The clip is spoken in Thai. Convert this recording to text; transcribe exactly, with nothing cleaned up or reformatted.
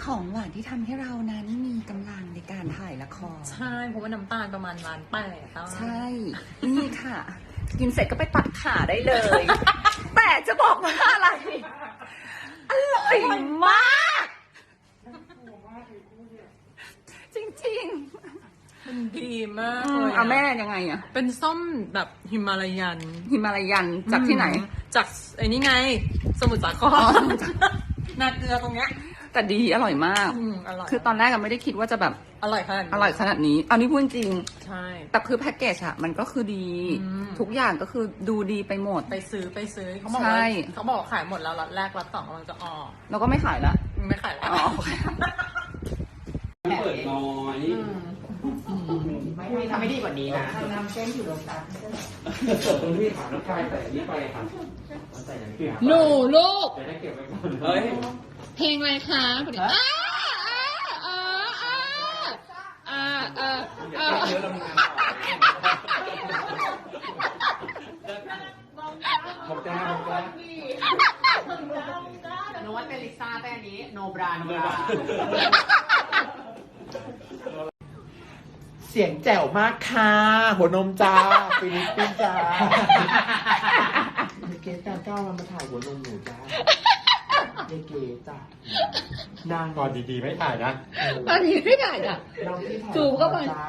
ของหวานที่ทำให้เรานั้นมีกำลังในการถ่ายละครใช่เพราะว่าน้ำตาลประมาณล้านแปดใช่นี่ค่ะ กินเสร็จก็ไปตัดขาได้เลย แต่จะบอกว่าอะไรอร่อยมากจริงๆมันดีมากเลยเอาแม่ยังไงอะเป็นส้มแบบฮิมาลายันฮิมาลายันจากที่ไหนจากไอ้นี่ไงสมุทรสาครนาเกลือตรงเนี้ยแต่ดีอร่อยมากคือตอนแรกก็ไม่ได้คิดว่าจะแบบอร่อยขนาดอร่อยขนาดนี้เอานี่พูดจริงใช่แต่คือแพ็กเกจอะมันก็คือดีทุกอย่างก็คือดูดีไปหมดไปซื้อไปซื้อเขาบอกว่าเขาบอกขายหมดแล้วล็อตแรกล็อตสองกำลังจะออกเราก็ไม่ขายละไม่ขายแล้วเปิดน้อยไม่ไม่ทำไม่ดีกว่านี้นะนำเส้นอยู่ตรงกลางเปิดตรงที่ถามน้องชายแต่นี่ไปค่ะใส่อย่างนี้หนูลูกจะได้เก็บไว้ก่อนเฮ้ยเพลงอะไรคะอ้าอ้าอ้าอ้าอ้าเยอะแล้วมึงบอกจ้าบอกจ้าโน้ตเป็นลิซ่าแต่อันนี้โนบราโนบราเสียงแจ๋วมากค่ะหัวนมจ้าฟิลิปปินส์จ้าเกสการก้าวมันมาถ่ายหัวนมหนูจ้าเยเกจ้านางก่อนดีๆไม่ถ่ายนะตอนนี้ไม่ถ่ายอ่ะน้องที่ถ่ายจูบเข้าไป